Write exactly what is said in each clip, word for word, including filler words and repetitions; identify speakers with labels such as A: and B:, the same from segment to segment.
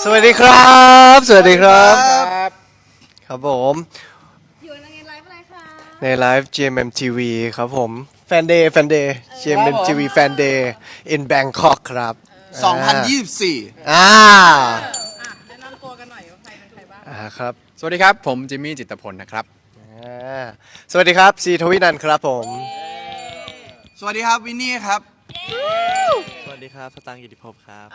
A: สวัสดีครับสวัสดีครับครับผม
B: อยู่ในไลฟ์อะไรคะ
A: ในไลฟ์ จี เอ็ม เอ็ม ที วี ครับผมแฟนเดย์แฟนเดย์ จี เอ็ม เอ็ม ที วี แฟนเดย์ in Bangkok ครับ
C: สองพันยี่สิบสี่
A: อ่า
B: อ่ะแนะนำตัวกันหน่อยว่าใครเป็นใครบ้าง
A: อ่าครับ
D: สวัสดีครับ ผมจิมมี่จิตรพลนะครับ
A: อ่าสวัสดีครับซีทวินันท์ครับผม
C: สวัสดีครับวินนี่ครับ
E: สวัสดีครับสตางค์กิติภพครับ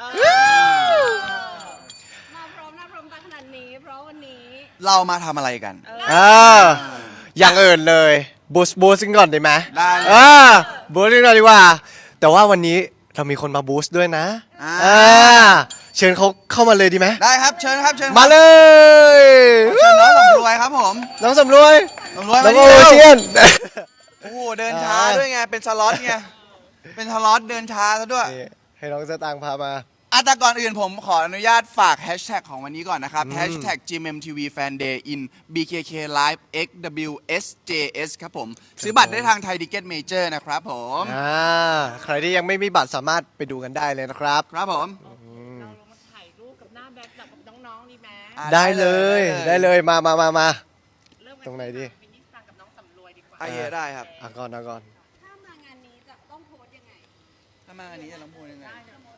B: มาพร้อมหน้าพร้อมตาขนาดนี้ เพราะวันนี้
C: เรามาทำอะไรกัน
A: อ่าอย่างอื่นเลยบูสบูสกันก่อนได้ไหม
C: ได้เลย
A: อ่าบูสกันก่อนดีกว่า แต่ว่าวันนี้เรามีคนมาบูสด้วยนะ
C: อ่า
A: อ่าเชิญเขาเข้ามาเลยดีไหม
C: ได้ครับเชิญครับเชิญ
A: มาเลย
C: เชิญน้องสำรวยครับผม
A: น้องสำรวย
C: สำรวย
A: น้
C: มา
A: อง
C: นี่
A: โอ
C: เร็ว
A: เชียน
C: โอ้โหเดินช้าด้วยไงเป็นสล็อตไงเป็นสล็อตเดินช้าซะด้วย
A: นี่ให้น้องสตางค์พามา
C: อ่ะแต่ก่อนอื่นผมขออนุญาตฝากแฮชแท็กของวันนี้ก่อนนะครับ
A: อืม
C: แฮชแท็ก จี เอ็ม เอ็ม ที วี Fan Day in บี เค เค Live เอ็กซ์ ดับเบิลยู เอส เจ เอส ครับผม ซื้อบัตรได้ทางไทยดิเก็ตเมเจอร์นะครับผม
A: อ่าใครที่ยังไม่มีบัตรสามารถไปดูกันได้เลยนะครับ
C: ครับผม
B: เราลงมาถ่ายรูปกับหน้าแบ็คกับน้องๆดีไหม
C: อ่ะ
A: ได้เลยได้เลยมามามามา
B: เริ่มกั
A: ตรงไหนดี
B: วินนี่ฟังกับน้องสำรวยดีกว่า
C: อ่ะเยอะได้ครับ
A: อ่ะก่อนเอาก่อน
B: ถ้ามางานนี้จะต้องโพสยังไง
C: ถ้ามาอันนี้จะน้องพูดยังไง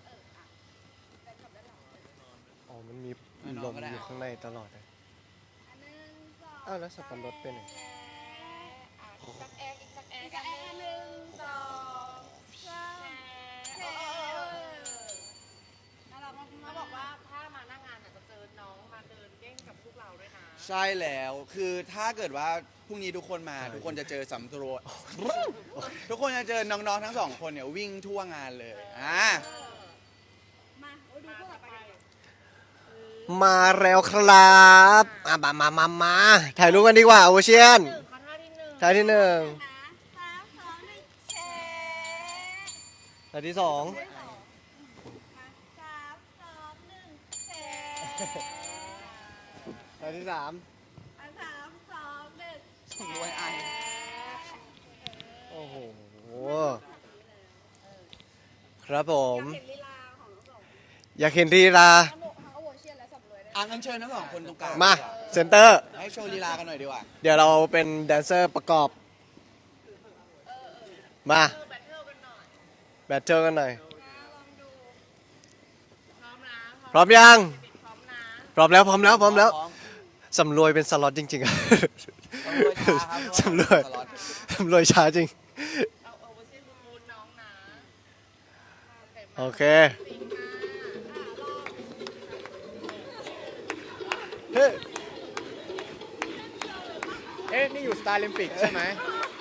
A: อ๋อมันมี
C: อ่ะน้
A: ล
C: อง
A: ม
C: ก็ได้
A: อยู่ข้างในตลอดเลย
B: อันหนึ่งสอง
A: อ้าวแล้วสับปะรดไปไหน
B: อ่ะอีกสักแอร์อีกสักแอร์กันอันหนึ่งสองสามแชร์น่ารักมากๆ
F: เขาบอกว่าถ้ามาหน้างานอาจจะเจอน้องมาเดินเด้งกับพวกเราด้วยนะ
C: ใช่แล้วคือถ้าเกิดว่าพรุ่งนี้ทุกคนมาทุกคนจะเจอสำรวจทุกคนจะเจอน้องๆทั้งสองคนเนี่ยวิ่งทั่วงานเลยอ่า
B: มาโอ้ยดูพวกเราไปกัน
A: มาแล้วครับอ่ะมามามามาถ่ายรูปกันดีกว่าโอเชียน
F: หนึ่งค่ะท่าที่หนึ่ง
A: ถ่ายที่หนึ่ง
B: นะสามสองหนึ่งแชร์
A: ถ่ายที่สอง
B: ได้สองมาสามสองหนึ่งแชร์
A: ถ่ายที่สาม
B: อ่ะสามสองหนึ่ง
C: สำรวยไอ
A: โอ้โหครับผม
B: เห็นลีลาของน้องสอง
A: อยากเห็นรีลา
B: ทั้งโมทั้งโอเชียนและสำรวยได้
C: อ่ะงั้นเชิญทั้งสองคนตรงกลาง
A: มาเซนเตอร์
C: ให้โชว์ลีลากันหน่อยดีกว่า
A: เดี๋ยวเราเป็นแดนเซอร์ประกอบ มา
F: แบทเทิลกันหน่อย
A: แบทเทิลกันหน่อย
B: ลองดู
F: พร้อมนะ
A: พร้อมยัง
F: พร้อมนะ
A: พร้อมแล้วพร้อมแล้วพร้อมแล้ว
C: พร้อม
A: สำรวยเป็นสล็อตจริงๆอะ
C: สำรวยช้าครับ
A: สำรวยสำรวยช้าจริง
F: เอาเอาไว้เช่นบูนน้องนะ
A: โอเค
F: สิงมา
A: เฮ้ย
D: เอ๊ะ นี่อยู่สตาร์ลิมปิกใช่ไหม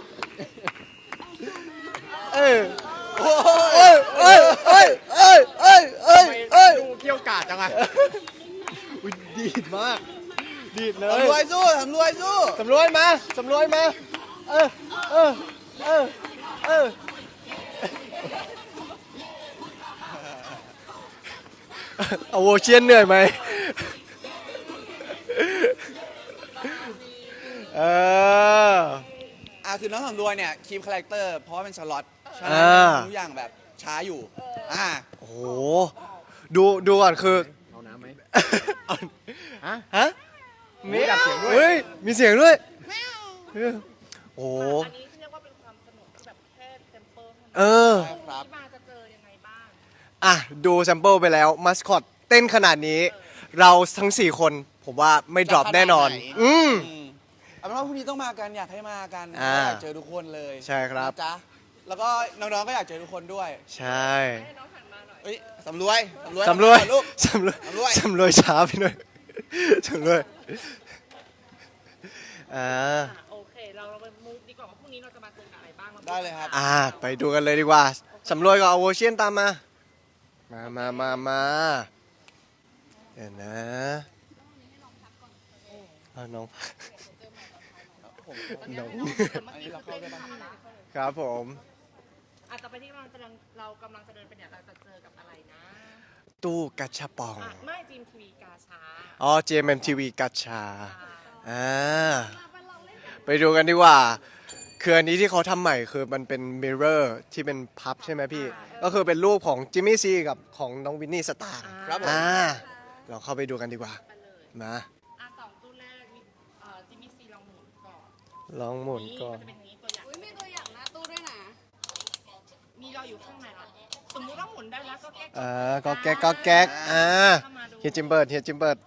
A: เอ้ยเอ้ยเอ้ยเอ้ยเอ้ยเอ้ยเอ้ยเอ้ย
D: ดูเกี่ยวกาดจังอะ
A: อุ๊ยดีดมาก ดีดเลย
C: สำรวยสู้สำรวยสู้
A: สำรวยมาสำรวยมา เออเออเออเออเอาโวเชียนเหนื่อยไหมเออ
C: อ่ะคือน้องสำรวยเนี่ยคีมคาแรคเตอร์เพราะว่าเป็นสล็อตฉะ
A: อ่า
C: นั้นทุกอย่างแบบช้าอยู่อ่า
A: โอ้โห ดูดูก่อนคือ
D: เอาน้ำไหม
A: เอา
D: ฮะ
A: ฮะ
D: มีดับเสียงด้วย
A: เฮ้ย มีเสียงด้วยเออโอ้โห
F: อันนี้เรียกว่าเป็นความสนุกที่แบบแค่เซมเปิลเท่านั้น
A: เออ
F: พรุ่งนี้มาจะเจอยังไงบ้าง
A: อ่ะ ดูแซมเปิลไปแล้ว มัสคอตเต้นขนาดนี้ เราทั้ง สี่ คน ผมว่าไม่ดรอปแน่นอน อืม
C: อืมเอาเป็นว่าพรุ่งนี้ต้องมากันอยากให้มากัน
A: อ่า
C: อยากเจอทุกคนเลย
A: ใช่ครับ
C: นะจ๊ะแล้วก็น้องๆก็อยากเจอทุกคนด้วย
A: ใช่
F: ให้น้องหันมาหน่อย
C: เอ้ยสำรวยสำรวย
A: สำรวย
C: ทำไมก่อนลูก
A: สำรวย
C: สำรวย
A: สำรวยช้าไปหน่อยสำรวยอ่า
F: อ่ะโอเค เราเราไปมูฟดีกว่าว่าพรุ่งนี้เราจะมาเจอกับอะไรบ้างรา
C: ได้เลยครับ
A: อ่า ไปดูกันเลยดีกว่า สำรวยกับเอาโวเชียนตามมา มามามามาเดี๋ยวนะเอาน้อง
C: ผม
A: น้อง
C: อันนี้เราเข้าได้ปะ
A: ครับผม
F: อาจจะไปที่เรากำลังเรากำลังจะเดินไปเนี่ยเราจะเจอกับอะไรนะ
A: ตู้กัชชาปอง
F: อ่ะไม่จีมทีวีกาชา
A: อ๋อ จี เอ็ม เอ็ม ที วี กัชชา
F: อ่า
A: อ่า ไปดูกันดีกว่า คืออันนี้ที่เขาทำใหม่คือมันเป็นมิเรอร์ที่เป็นพับใช่ไหมพี่ ก็คือเป็นรูปของจิมมี่ซีกับของน้องวินนี่สตาร์
C: ครับผม
A: อ่าเราเข้าไปดูกันดีกว่า
F: ไปเลย
A: มา
F: อ่ะสองตู้แรกมีเอ่อจิมมี่ซีลองหมุนก่อน
A: ลองหมุนก่อน
F: มันจะเป็นอย่างนี้ตัวอย่าง
B: อุ้ยมีตัวอย่างหน้าตู้ด้วยนะ
F: มีเราอยู่ข้างในแล้วสมมุติว่าหมุนได้แล้วก็แก้
A: อ่าก็แก๊กก็แก๊กอ่า
F: เข้ามาดู
A: เฮียจิมเบิร์ดเฮียจิมเบิร์ด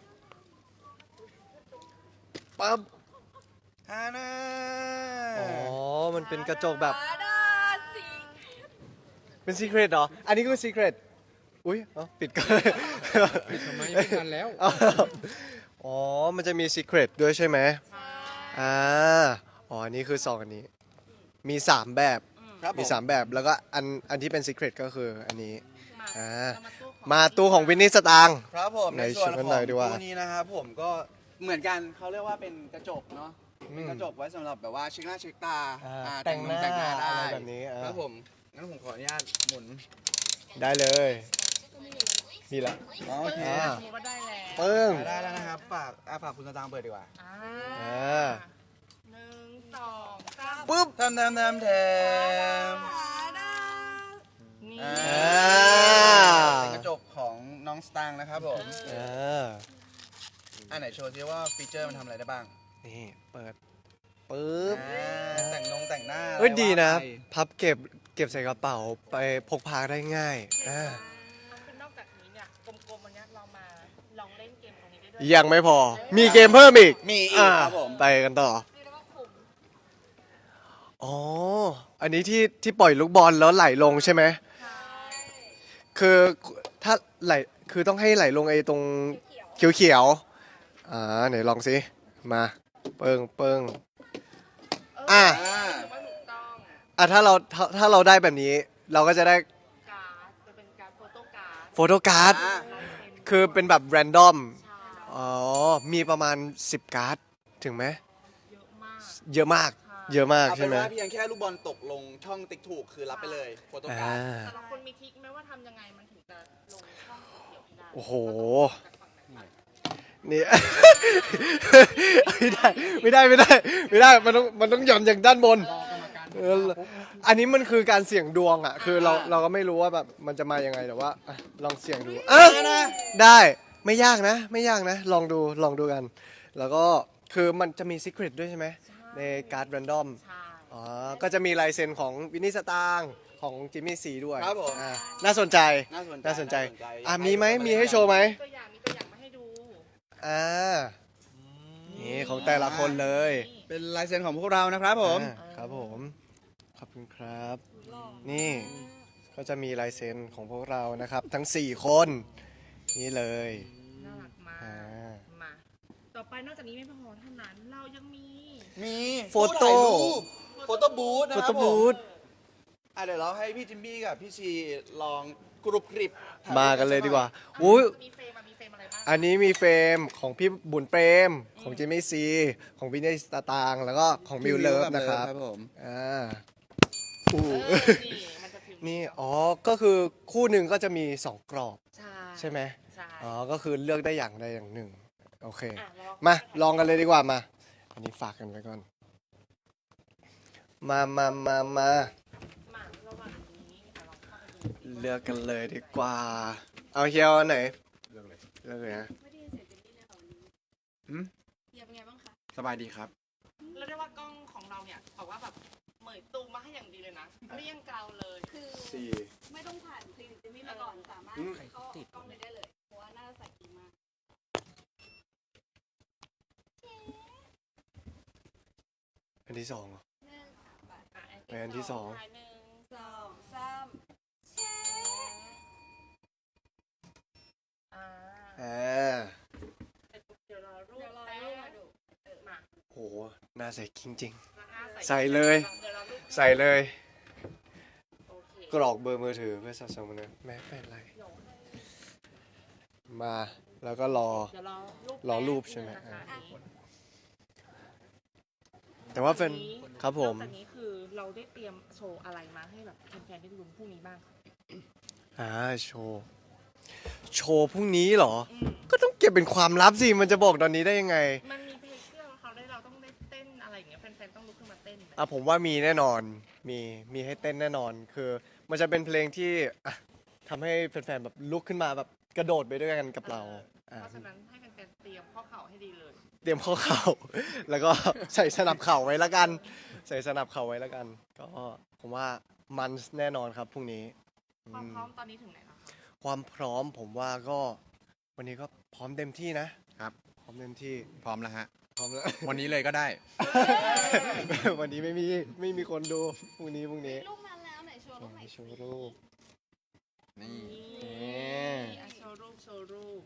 A: ปั๊บ
C: ฮาน่า
A: อ๋อ มันเป็นกระจกแบบ
B: อาดาสิง
A: เป็นซีเครตเหรอ อันนี้ก็ซีเครตอุ้ยเอ้าปิดก่อน
D: ปิดทำไมไม่ทันแล้ว
A: อ้าวอ๋อ มันจะมีซีเครตด้วยใช่ไหม
F: ใช่
A: อ่า อ๋อ อันนี้คือซองอันนี้ มีสามแบบ
C: ครับผ
A: มีสามแบบ แล้วก็อัน อันที่เป็นซีเครตก็คืออันนี้
F: มา
A: อ่า
F: เรามาตู้ของ
A: มาตู้ของวินนี่สตางค์
C: ครับผม
A: ไหน
C: ในส่วน
A: ช่วยกัน
C: ข
A: หน่
C: อ
A: อง ยดีกว่า
C: ตู้นี้นะครับผมก็เหมือนกันเขาเรียกว่าเป็นกระจกเนาะ เป็นกระจกไว้สำหรับแบบว่าเช็คหน้าเช็คตา
A: อ่า
C: อ่า
A: แต่งหน้า
C: แต่งหน้าได้
A: อะไรแบบนี้อ่า
C: ครับผมงั้นผมขออนุญาตหมุน
A: ได้เลย นี่แหละ
C: อ๋อโอเค
A: อ่า
F: สมมุติว่าได้แล้ว
A: ปึ้ง
C: ได้แล้วนะครับฝากอ่าฝากคุณสตางค์เปิดดีกว่า
F: อ่า
A: อ่า
F: หนึ่งสองสาม
A: ปุ๊บ
C: ทำทำทำแทม
B: อาดา
F: นี่
C: อ่า
A: อ่า
C: เป็นกระจกของน้องสตางค์นะครับผม
A: อ่า
C: อันไหนโชว์ซิว่าฟีเจอร์มันทำอะไรได้บ้าง
A: นี่ เปิด ปึ๊บ
C: อ่าแต่งนงแต่งหน้า
A: เอ้ยดีนะ
C: ว่าไป
A: พับเก็บ เก็บใส่กระเป๋าไปพกพาได้ง่ายอ่า
F: น้องเป็นนอกจากนี้เนี่ยกลมๆวันเนี้ยเรามาลองเล่นเกมตรงนี้ได้ด้วย
A: ยังไม่พอ มีเกมเพิ่มอีก
C: มีอีก
A: อ่า
C: ครับผม
A: ไปกันต่อ
B: เรียกได้ว่าขุม
A: อ๋อ อันนี้ที่ที่ปล่อยลูกบอลแล้วไหลลงใช่ไหม
F: ใช่
A: คือถ้าไหล คือต้องให้ไหลลงไอ้ตรงเขียวๆ อ่าไหนลองสิ มา เปิงเปิง อ่ะ
C: อ่า
F: ถือว่าถูกต้อง
A: อ่ะถ้าเราถ้าถ้าเราได้แบบนี้ เราก็จะได้
F: การ์ดจะเป็นการ์ดโฟโต้การ์ด
A: โฟโต้การ์ด
C: อ่า
F: ลายเซ็น
A: คือเป็นแบบแรนดอม
F: ใช่
A: อ๋อ มีประมาณสิบการ์ด ถึงไหม
F: เยอะมาก
A: เยอะมาก เยอะมาก
C: เอาเป็
A: ใช่
C: น
A: ไหม
C: ว่าเพียงแค่ลูกบอลตกลงช่องติ๊กถูกคือรับไปเลยโฟโต้
A: อ่
C: การ์ด
A: า
F: แต่ละคนมีทริคไหมว่าทำยังไงมันถึงจะลงช่องเขียวให้ได้
A: โอ้โห
F: จากฝั่งไหนบ้าง
A: นี่ ไม่ได้ ไม่ได้ ไม่ได้ ไม่ได้ มันต้อง มันต้องหย่อนอย่างด้านบน
D: รอกรรมการ
A: เอออันนี้มันคือการเสี่ยงดวงอ่ะ คือเราเราก็ไม่รู้ว่าแบบมันจะมายังไงแต่ว่าอ่ะลองเสี่ยงดูอ่ะได้ ไม่ยากนะ ไม่ยากนะ ลองดู ลองดูกัน แล้วก็คือมันจะมี Secret ด้วยใช่ไหม ในการ์ดแรนดอม
F: ใช่
A: อ๋อ ก็จะมีลายเซ็นของวินนี่สตางค์ของจิมมี่ซีด้วย
C: ครับผม
A: อ่าน่าสนใจ
C: น่าสนใจ
A: น่าสนใจ
C: น่าสนใจ
A: อ่ะมีไหมมีให้โชว์ไหม
F: ตัวอย่างมีตัวอย่างมาให้ดู
A: อ่า นี่ของแต่ละคนเลย
C: เป็นลายเซ็นของพวกเรานะครับผม
A: อ่าครับผม ขอบคุณครับ นี่ก็จะมีลายเซ็นของพวกเรานะครับ ทั้ง สี่ คน นี่เลย
F: น่ารักมาก
A: อ่า
F: มา ต่อไปนอกจากนี้ไม่พอเท่านั้น เรายังมี
C: มี
A: โฟโต้
C: โฟโต้บูธนะ
A: โฟ
C: ครั
A: โต้
C: บผ
A: บู
C: ม
A: ธ
C: อ่ะเดี๋ยวเราให้พี่จิมบี้กับพี่ชีลองกรุบกริบถ่ยรูป
A: มากันเลยดีกว่า
F: อ่ะ
A: อุ้ย
F: มีเฟรมอะมีเฟรมอะไรบ้าง
A: อันนี้มีเฟรมของพี่บุญเปรม ของจิมมี่ซี ของวินนี่สตางค์แล้วก็ของมิวเลิฟนะครับ
C: ครับผม
A: อ่าอู้
F: เออนี่มันจะพิมพ์
A: นี่ อ๋อ ก็คือคู่หนึ่งก็จะมี สอง กรอบ
F: ใช่
A: ใช่ไหม
F: ใช่
A: อ๋อ ก็คือเลือกได้อย่างใดอย่างหนึ่ง โอเค
F: อ่ะเร
A: มา ลองกันเลยดีกว่ามา อันนี้ฝากกันไว้ก่อน มามามามา
F: มาระหว่างนี้อ่ะลองเข้าไปดูสิ
A: เลือกกันเลยดีกว่า เอาเฮียวอันไหน
D: เรื่องเลย
A: เลือกเลยนะ
B: ไม่ได้ยินเสียงเจนนี่เลยค่ะวันนี้
C: หืม
B: เฮียเป็นไงบ้างคะ
C: สบายดีครับ
F: แล้วได้ว่ากล้องของเราเนี่ยบอกว่าแบบเหมยตูมมาให้อย่างดีเลยนะเรียงเกลาเลย
B: คือ
C: สี่
B: ไม่ต้องผ่านคลินิกเจนนี่มาก่อนสามารถ
A: อืม
B: เข้ากล้องเลยได้เลย เพราะว่าหน้าใสดีมาก
A: อันที่สองเหรอ
B: หนึ่งสามบาท
F: อ่ะ
A: ไปอันที่สอง
F: ท้ายหนึ่ง
B: สองสามแชร์
F: อ่า
A: อ่า
F: เดี๋ยวรอรูป
B: เดี๋ยวรอ
F: แป๊บ
B: รูปมาดู
F: มา
A: โหหน้าใสจริง
F: แล้วหน้า
A: ใส่เลย
F: ดี๋วรารูป
A: ๆ ใส่เลย
F: โอเค
A: กรอกเบอร์มือถือเพื่อสะสมนะแม่เป็นไร
F: เดี๋ยว
A: มา แล้วก็รอ
F: เดี๋ยวรอรูป
A: รอรูปใช่ไหม
F: แป๊บนึงนะคะ
A: อ่ะ
F: อันนี้
A: แต่ว่าเป็น ครับผม
F: นอกจากนี้คือเราได้เตรียมโชว์อะไรมาให้แบบแฟนๆได้ดูพรุ่งนี้บ้างคะ
A: อ่า โชว์ โชว์พรุ่งนี้เหรอ
F: อืม
A: ก็ต้องเก็บเป็นความลับสิ มันจะบอกตอนนี้ได้ยังไง
F: มันมีเพลงที่เราเขาได้เราต้องได้เต้นอะไรอย่างเงี้ยแฟนๆต้องลุกขึ้นมาเต้น
A: อ่ะผมว่ามีแน่นอน มี มีให้เต้นแน่นอน คือ มันจะเป็นเพลงที่อ่ะทำให้แฟนๆแบบลุกขึ้นมาแบบกระโดดไปด้วยกันกับเราอ่า
F: เพราะฉะนั้นให้แฟนๆเตรียมข้อเข่าให้ดีเลย
A: เตรียมข้อเข่า แล้วก็ใส่สนับเข่าไว้แล้วกัน ใส่สนับเข่าไว้แล้วกัน ก็ผมว่ามันแน่นอนครับพรุ่งนี้อื
F: ความ
A: ม
F: พร้อมตอนนี้ถึงไหนแล้วคะ
A: ความพร้อมผมว่าก็วันนี้ก็พร้อมเต็มที่นะครับ พร้อมเต็มที่
D: พร้อมแล้วฮะ
A: พร้อมแล้ว
D: วันนี้เลยก็ได้
A: วันนี้ไม่มีไม่มีคนดูพรุ่งนี้พรุ่งนี้
B: ลูกนั้นแล้วไหนโชว์ลูกไหน
A: โชว์รูป
D: นี่
F: นี่อ่ะโชว์รูปโชว์รูป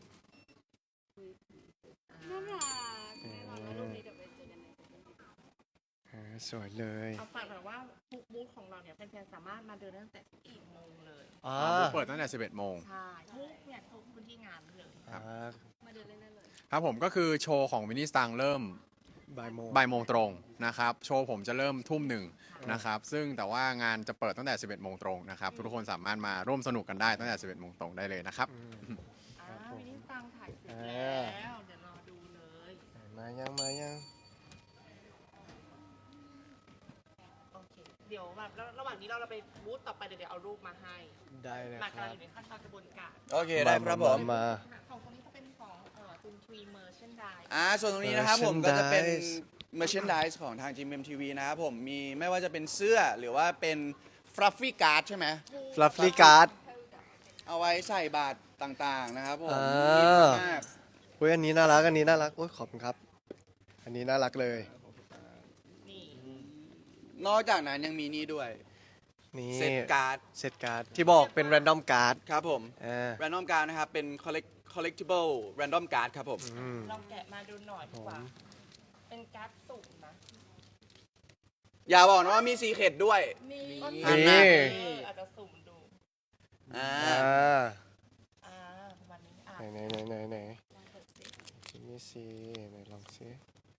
B: น่ารักแน่นอนว่าลูกนี้เดี๋ยวไปเจอกันใน
A: อ่าสวยเลย
F: เอาฝากแบบว่าบุ๊กบูธของเราเนี่ยแฟนๆสามารถมาเดินได้ตั้งแต่สิบเอ็ดโมงเลย
A: อ่า
D: บูธเปิดตั้งแต่สิบเอ็ดโมง
F: ใช่ทุกเนี่ยทุกพื้นที่งานเลย
A: อ่า
B: มาเดินเล่นได้เลย
D: ครับผมก็คือโชว์ของวินนี่สตังเริ่ม
A: บ่ายโมง
D: บ่ายโมงตรงนะครับ โชว์ผมจะเริ่มทุ่มหนึ่งนะครับ ซึ่งแต่ว่างานจะเปิดตั้งแต่สิบเอ็ดโมงตรงนะครับ ทุกคนสามารถมาร่วมสนุกกันได้ตั้งแต่สิบเอ็ดโมงตรงได้เลยนะครับ
A: อืม
F: อ่าวินิสตังถ่ายเสร็จ
A: อ่า
F: แล้ว เดี๋ยวรอดูเลย
A: มายังมายัง
F: โอเค เดี๋ยวแบบแล้วระหว่างนี้เราเราไปบูธต่อไปเดี๋ยวเดี๋ยวเอารูปมาให้
A: ได้เลย
F: หลัก
A: ค
F: กำลั
A: รั
F: ง
A: บ
F: อยู่ในขั้นตอนกระบวนการ
C: โอเคได้ครับผม
A: มา
F: ของตรงนี้จะเป็นของเอ่อจุนทรีเมอร์เชนได
C: อ่าส่วนตรงนี้นะครับผมก็จะเป็น
A: Merchandise
C: merchandise ของทาง จี เอ็ม เอ็ม ที วี นะครับผมมีไม่ว่าจะเป็นเสื้อหรือว่าเป็น fluffy card ใช่ไหม
A: ฟลัฟฟี่การ์ด
C: เอาไว้ใส่บาตรต่างๆนะครับผม
A: อ่า
C: มีมาก
A: เฮ้ยอันนี้น่ารักอันนี้น่ารักโอ้ยขอบคุณครับ อันนี้น่ารักเลย
F: นี่
C: นอกจากนั้นยังมีนี่ด้วย
A: นี่
C: เซตการ์ด
A: เซตการ์ดที่บอกเป็น random card
C: ครับผม
A: อ่า
C: random card นะครับเป็น collect collectible random card ครับผม
A: อืม
F: ลองแกะมาดูหน่อยดีกว่า เป็นการ์ดสุ่มนะ
C: อย่าบอกนะว่ามีซีเคร็ดด้วย
B: มี
F: ก็
C: อัน
F: สุ่ม
C: นั้น
F: เอออาจจะสุ่มดู
C: อ่า
A: อ่า
F: อ่าประมาณนี้อ่ะ
A: ไหนไหนไหนไหนไหน
B: ลองเปิดสิ
A: นี่สิไหนลองสิ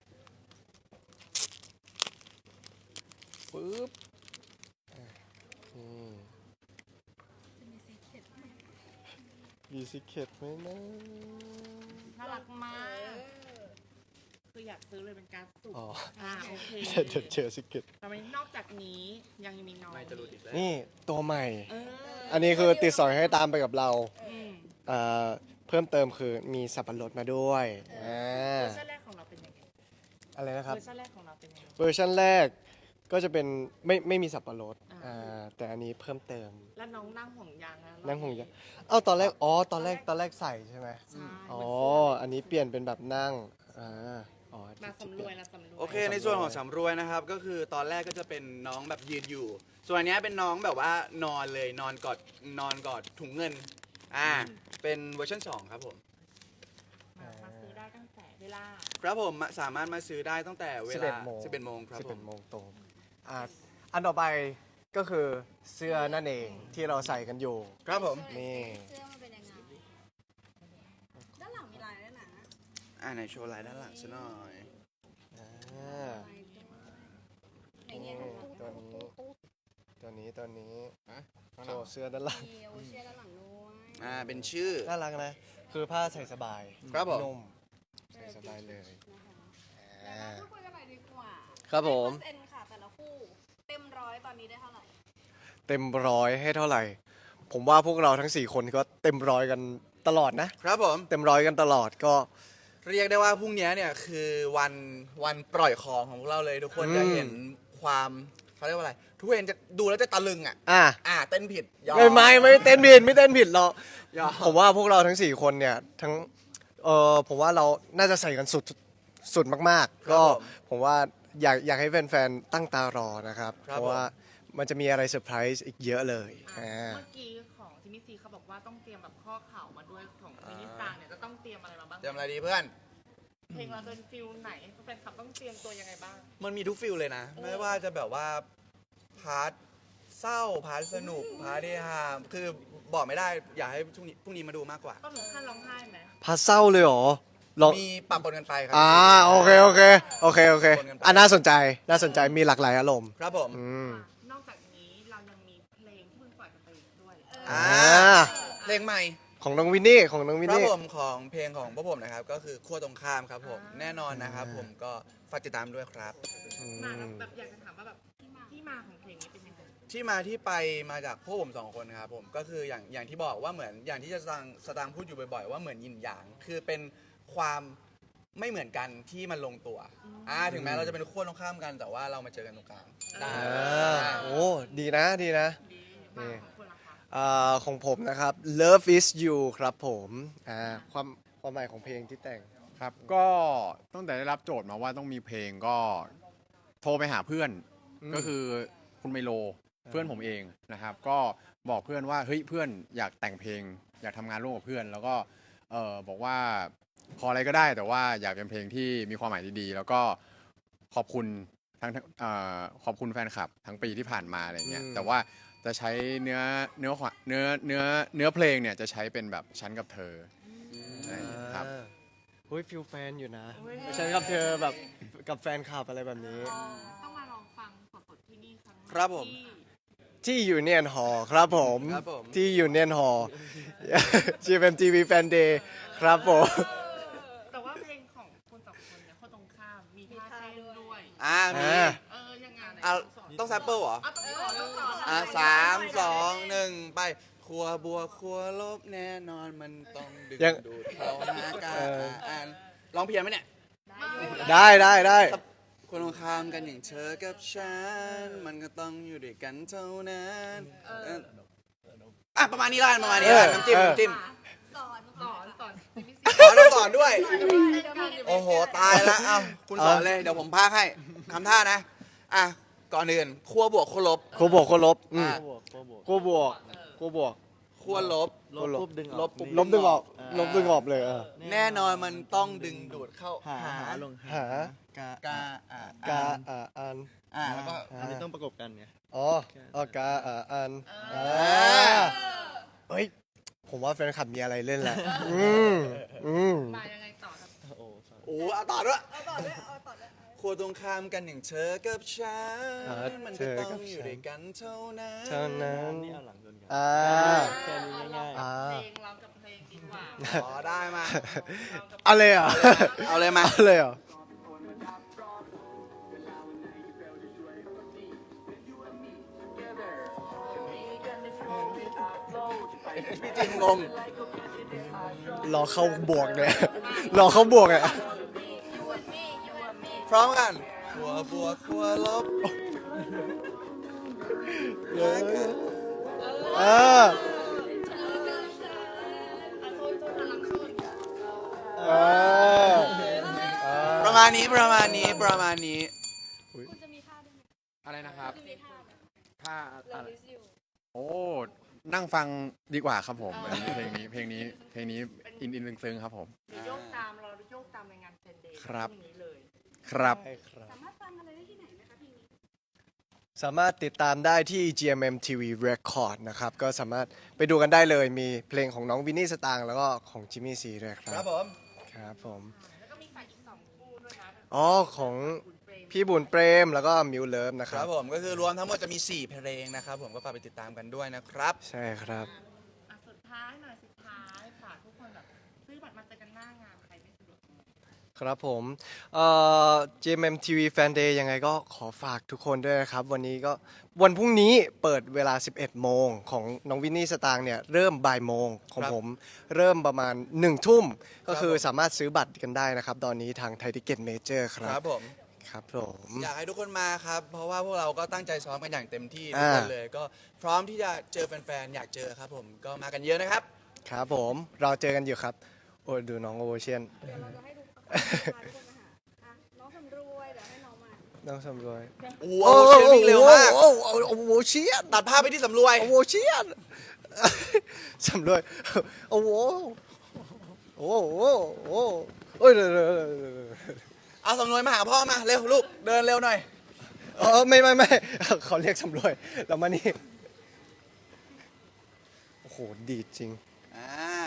A: ปึ๊บอ่ะนี่
B: จะมีซีเคร็ตไหม
A: มีซิเคตไหมนะ
F: น่ารักมาก
B: เออ
F: คืออยากซื้อเลยเป็นการ์ดสุ่ม
A: อ๋อ
F: อ่าโอเค
A: เดี๋ยวเจอซิเคต
F: แต่นอกจากนี้ยังมีน้อง
A: นี่ตัวใหม่
F: เออ
A: อันนี้คือติดสอยให้ตามไปกับเรา
F: อืม
A: เอ่อเพิ่มเติมคือมีสับปะรดมาด้วยอ่า
F: เวอร์ชันแรกของเราเป็นยังไง
A: อะไรนะครับ
F: เวอร์ชันแรกของเราเป็นยังไง
A: เวอร์ชันแรกก็จะเป็นไม่ไม่มีสับปะรด
F: อ่า
A: อ่าแต่อันนี้เพิ่มเติม
F: แล้วน้องนั่งห่วงยางนะ
A: นั่งหงยางเอ้าตอนแรกอ๋อตอนแรกตอนแรกใส่ใช่ไหม
F: ใช่
A: อ๋อ
F: เหมืนเสื้
A: อันนี้เปลี่ยนเป็นแบบนั่งอ่าอ๋อ
F: มาสำรวยละสำรวย
C: โอเคในส่วนของสำรวยนะครับ ก็คือตอนแรกก็จะเป็นน้องแบบยืนอยู่ ส่วนอันเนี้ยเป็นน้องแบบว่านอนเลยนอนกอดนอนกอดถุงเงินอ่าเป็นเวอร์ชันสองครับผม
F: มามาซื้อได้ตั้งแต่เวลา
C: ครับผมสามารถมาซื้อได้ตั้งแต่เว
A: สิบ
C: ลา
A: เอ็ดโมง
C: สิบเอ็ดโมงครับ
A: สิบ
C: ผ
A: เอ็
C: ม
A: ดโมงตรงอ่าอันต่อไปก็คือเสื้อนั่นเองที่เราใส่กันอยู่
C: ครับผม
A: นี่
B: เสื้อมันเป็นยังไงด้านหลังมีลายด้วยนะ
C: อ่าในโชว์ลายด้านหลังซะหน่อย
A: อ่า
B: ลายด้วยไหน
A: นี่
B: เนี่ย
A: ตัวนี้ตัวนี้ตัวนี้
D: ฮะ
A: โชว์เสื้อด้านหลัง
B: มีโอเชียด้านหลังด้วย
C: อ่าเป็นชื่อ
A: น่ารักนะ คือผ้าใส่สบาย
C: ครับผม
A: นุ่มใส่สบายเลย
B: นะคะเดี๋ยวเราพูดคุยกันหน่อยดีกว่า
A: ครับผม
B: เปอร์เซ็นต์ค่ะแต่ละคู่เต็มร้อยตอนนี้ได้เท่าไหร่
A: เต็มร้อยให้เท่าไหร่ ผมว่าพวกเราทั้งสี่คนก็เต็มร้อยกันตลอดนะ
C: ครับผม
A: เต็มร้อยกันตลอดก็
C: เรียกได้ว่าพรุ่งนี้เนี่ยคือวันวันปล่อยของของพวกเราเลยทุกคน
A: อืม
C: จะเห็นความเขาเรียกว่าอะไร ทุกคนจะดูแล้วจะตะลึงอ่ะ
A: อ่ะ
C: อ่าเต้นผิดยอม
A: ไม่ไม่ไม่เต้นผิดไม่เต้นผิดหรอก
C: ยอม
A: ผมว่าพวกเราทั้งสี่คนเนี่ยทั้งเออผมว่าเราน่าจะใส่กันสุดสุดมาก ๆ ก็ผมว่าอยากอยากให้แฟนๆตั้งตารอนะครับ
C: ครับ
A: เพราะว่ามันจะมีอะไรเซอร์ไพรส์อีกเยอะเลย
F: อ่ะ
A: อ่า
F: เมื่อกี้ของทิมิซีเขาบอกว่าต้องเตรียมแบบข้อเข่ามาด้วยของมินิสตาร์เนี่ยจะต้องเตรียมอะไรมาบ้าง
C: เตรียมอะไรดีเพื่อน
F: เพลงเราเป็นฟิลไหนแฟนคลับต้องเตรียมตัวยังไงบ้าง
C: มันมีทุกฟิลเลยนะ ไม่ว่าจะแบบว่าพาร์ทเศร้าพาร์ทสนุกพาร์ทเฮฮาคือบอกไม่ได้อยากให้พรุ่งนี้พรุ่งนี้มาดูมากกว่า
F: ต้องถึงขั้นร้องไห้ไหม
A: พาเศร้าเลยเหรอลอง
C: มีปรับปนกันไปครั
A: อ่าโอเคโอเคโอเคโอเค
C: คนกันไป
A: อ่ะน่าสนใจน่าสนใจมีหลากหลายอารมณ์
C: ครับผม
A: อืม
F: นอกจากนี้เรายังมีเพลงที่เพิ่งปล่อยกันไปด้วย
C: อ่า
A: อ่า
C: เพลงใหม่
A: ของน้องวินนี่ของน้องวิน
C: ครับ
A: นี่
C: ผมของเพลงของพวกผมนะครับ ก็คือขั้วตรงข้ามครับผม แน่นอนนะครับ ผมก็ฝากติดตามด้วยครับ
A: อื
F: มาแบ
A: ม
F: บแบบอยากจะถามว่าแบบที่มาที่มาของเพลงนี้เป็นยังไง
C: ที่มาที่ไปมาจากพวกผมสองคนครับผมก็คืออย่างอย่างที่บอกว่าเหมือนอย่างที่จะสตางค์สตางค์พูดอยู่บ่อยๆว่าเหมือนยินหยางคือเป็นความไม่เหมือนกันที่มันลงตัวอ่าถึงแม้เราจะเป็นขั้วตรงข้ามกันแต่ว่าเรามาเจอกันตรงกลางได้
A: อ่าโอ้ดีนะดีนะ
F: ดีมากของคุณล่ะคะ
A: อ่าของผมนะครับ Love is you ครับผมอ่าความความหมายของเพลงที่แต่ง
D: ครับก็ตั้งแต่ได้รับโจทย์มาว่าต้องมีเพลงก็โทรไปหาเพื่อน
A: อืม
D: ก็คือคุณไมโลเพื่อนผมเองนะครับ ก็บอกเพื่อนว่าเฮ้ยเพื่อนอยากแต่งเพลง อยากทำงานร่วมกับเพื่อน แล้วก็เออบอกว่าขออะไรก็ได้แต่ว่าอยากเป็นเพลงที่มีความหมายดีๆแล้วก็ขอบคุณทั้งทั้งเอ่อขอบคุณแฟนคลับทั้งปีที่ผ่านมาอะไรเงี้ย
A: อืม
D: แต่ว่าจะใช้เนื้อเนื้อความเนื้อเนื้อเนื้อเพลงเนี่ยจะใช้เป็นแบบฉันกับเธออะไรอย่างเงี้ยครับ
A: อ่าเฮ้ยฟิลแฟนอยู่นะฉันกับเธอแบบกับแฟนคลับอะไรแบบนี้
F: ต้องมาลองฟังสดๆที่นี่ครั้งแก
C: ครับผม
F: ที่
A: ที่ยูเนียนฮอครับผม
C: ครับผม
A: ที่ยูเนียนฮอ จี เอ็ม ที วี Fan Day ครับผม
F: แต่ว่าเพลงของคุณสองคนเนี่ยคนตรงข้ามมีท่าเต้นด้วย
C: อ่ามี
A: อ่า
F: เออยังไงไหน
C: อ่ะ
F: สน
C: ต้องแซมเปิลเหรอ
F: อ่ะต้องสอนต้องสอน
C: อ่ะสามสองหนึ่งไปครัวบัวครัวลบแน่นอนมันต้องดึง
A: ยัง
C: ดูดเข้าหากัน
A: เออ
C: อ่านร้องเพียงไหมเนี่ย
A: ได้ได้ได้
C: คนตรงข้ามกันอย่างเธอกับฉัน มันก็ต้องอยู่ด้วยกันเท่านั้นเอออ่ะประมาณนี้ละกันประมาณนี้ละกันน้ำจิ้มน้ำจิ้ม
B: สอน
F: สอนสอนจิมมี่
C: อ๋อต้องสอนด้วย
F: ซี
C: โอ้โห ตายแล้ว เอ้า คุณสอนเลย เดี๋ยวผมพากให้ทำท่านะ อ่ะ ก่อนอื่นขั้วบวกขั้วลบ
A: โคบวกโคลบอืม
C: อ่ะ
E: บวกบวกบวก
A: โคบวกโคบวก
C: ขั้วลบ
E: ลบปุ๊บดึงออก
C: ลบปุ๊บ
A: ลบดึงออกลบดึงออกเลยเออ
C: แน่นอนมันต้องดึงดูดเข้า
E: หาหาลง
A: หา
E: กาก
C: าอ่ะ
A: กาอ่าอัน
C: อ่ะแล้วก็
E: อันนี้ต้องประกบกันไง
A: อ๋ออ๋อกาอ่าอันอ่าเฮ้ย ผมว่าแฟนคลับมีอะไรเล่นแหละ อืมอืม
F: มายังไงต่อครับ
E: โอ้
C: โอ้เอาต่อด้วย
B: เอาต่อด้วยเอาต่อด้วย
C: ขั้วตรงข้ามกันอย่างเธอกับฉั
A: อ่ะ
C: น มันก็ต้องอยู่ด้วยกันเท่านั้น
A: เท่านั้น
E: นี่เอาหลังชนกัน
A: อ่า
E: แค่นี้ง่าย
A: อ่า
F: เพลงร้องกับเพลงดีกว่า
C: อ๋อ ได้มา
F: ร้องกับ
A: เอาเลยเหรอ
C: เอาเลยมา
A: เอาเลยเหรอ
C: พี่จิมงง
A: รอเข้าบวกเนี่ย รอเข้าบวกอ่ะ
C: พร้อมกันขั้วบวกขั้วลบ
A: เออ เออ
C: ประมาณนี้ ประมาณนี้ ประมาณนี้
B: คุณจะมีท่าด้วยไหม
D: อะไรนะครับ
B: จะมีท่าไหม
D: ถ้าอะไร
B: Love is you
D: โอ้นั่งฟังดีกว่าครับผมอันนี้เพลงนี้เพลงนี้เพลงนี้อินอินซึ้งๆครับผม
F: เดี๋ยวโยกตามเราโยกตามในงานเฟนเดย์
D: ครับ
F: พงนี้เลย
D: ครับ
A: ใช่ครับ
B: สามารถฟังอะไรได้ที่ไหนไหมคะเพลงนี้
A: สามารถติดตามได้ที่ จี เอ็ม เอ็ม ที วี Record นะครับ ก็สามารถไปดูกันได้เลย มีเพลงของน้องวินนี่สตางค์แล้วก็ของจิมมี่ซีด้วยครั
C: ครับ บผม
A: ครับผม
F: แล้วก็มีฝ่ายอีกสองคู่ด้วยนะ
A: อ๋อ ของ
F: คุณเปรม
A: พี่บุญเปรมแล้วก็มิวเลิฟนะค
C: ค
A: รั
C: รับ บผมก็คือรวมทั้งหมดจะมี สี่ เพลงนะครับผมก็ฝากไปติดตามกันด้วยนะครับ
A: ใช่ครับ
F: อ่ะสุดท้ายหน่อยสุดท้ายฝากทุกคนแบบซื้อบัตรมาเจอกันหน้างานใครไม่สะดวก
A: ครับผมเอ่อ จี เอ็ม เอ็ม ที วี Fan Day ยังไงก็ขอฝากทุกคนด้วยนะครับ วันนี้ก็วันพรุ่งนี้เปิดเวลา สิบเอ็ด โมง ของน้องวินนี่สตางค์เนี่ยเริ่มบ่ายโมง ของ
C: ครับ
A: ผมเริ่มประมาณ หนึ่ง ทุ่ม ก็คือ
C: ผม
A: สามารถซื้อบัตรกันได้นะครับ ตอนนี้ทางไทยทิเก็ตเมเจอร์ค
C: ค
A: รั
C: รั
A: บบ
C: ผม
A: ครับผม
C: อยากให้ทุกคนมาครับ เพราะว่าพวกเราก็ตั้งใจซ้อมกันอย่างเต็มที่ทุก
A: อ่า
C: คนเลย ก็พร้อมที่จะเจอแฟนๆ อยากเจอครับผม ก็มากันเยอะนะครับ
A: ครับผมเราเจอกันอยู่ครับ โอ้ยดูน้องโอเชียน
B: เดี๋ยวเราจะให้ดูพาทุกคนมาหาอ่ะน้องสำรวยเดี๋ยวให้น้องมา
A: น้องสำรวย
C: โอ้โหเชียร์วิ่งเร็วมาก
A: โอ้โหโอ้โหเชียน
C: ตัดภาพไปที่สำรวย
A: โอ้โหเชียน สำรวยโอ้โหโอ้โหโอ้โหโอ้ยเดี๋ยวเดี๋ยวเดี๋ยวเดี๋ยว
C: เอาสำรวยมาหาพ่อมา เร็วลูก เดินเร็วหน่อย
A: เออไม่ไม่ไม่เขาเรียกสำรวยเรามานี่โอ้โหดีดจริง
C: อ่า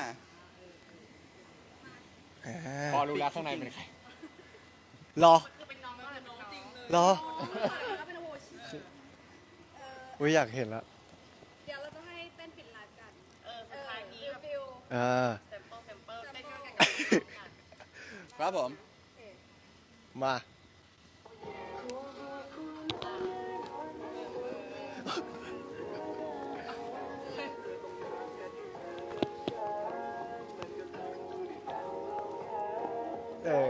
A: อ่า
D: พอรู้แล้วข้างในเป็นใคร
A: รอ
F: คือเป็นน้องไม่เป็นน้องจริงเลย
A: รอ
B: แล้วเป็นโอชิ
A: อุ้ยอยากเห็นละ
B: เดี๋ยวเราจะให้เต้นปิดไลฟ์กัน
F: เออสุดท้ายนี้แบบ
B: ฟิล
A: อ่า
F: เซมเปิลเซมเปิลเต้นกันกันกัน
C: ครับผม
A: มา
B: เ
A: เออ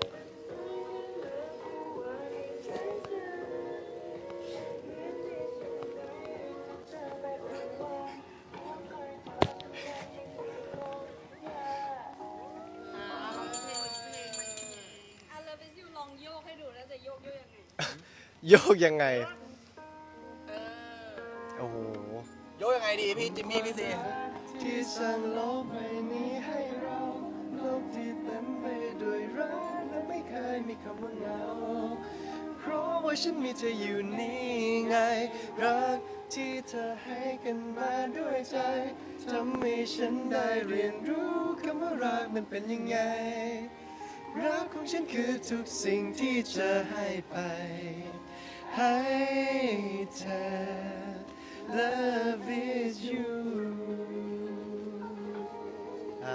F: อ่าเราเพลงเพลงมันเพลง
B: อ่ะเราไปซิวลองโยกให้ดูแล้วจะโยกโยกยังไง
A: โยกยังไง
F: เออ
A: โอ้โห
C: โยกยังไงดีพี่จิมมี่พี่ซี
A: ที่สั่งโลกใบนี้ให้เราโลกที่เต็มไปด้วยรักและไม่เคยมีคำว่าเหงาเพราะว่าฉันมีเธออยู่นี่ไง รักที่เธอให้กันมาด้วยใจทำให้ฉันได้เรียนรู้คำว่ารักมันเป็นยังไง รักของฉันคือทุกสิ่งที่จะให้ไป ให้เธอ Love is you อ่า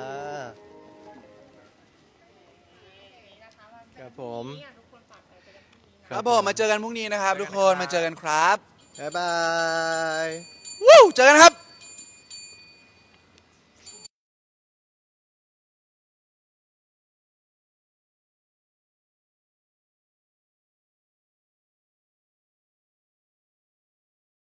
A: ครับผม
F: นี่อ่ะทุกคนฝากไปเจอกันพรุ่งนี้นะ
C: ครับผมมาเจอกันพรุ่งนี้นะครับ ทุกคนมาเจอกันครับ
A: บ๊ายบาย
C: วู้เจอกันครับ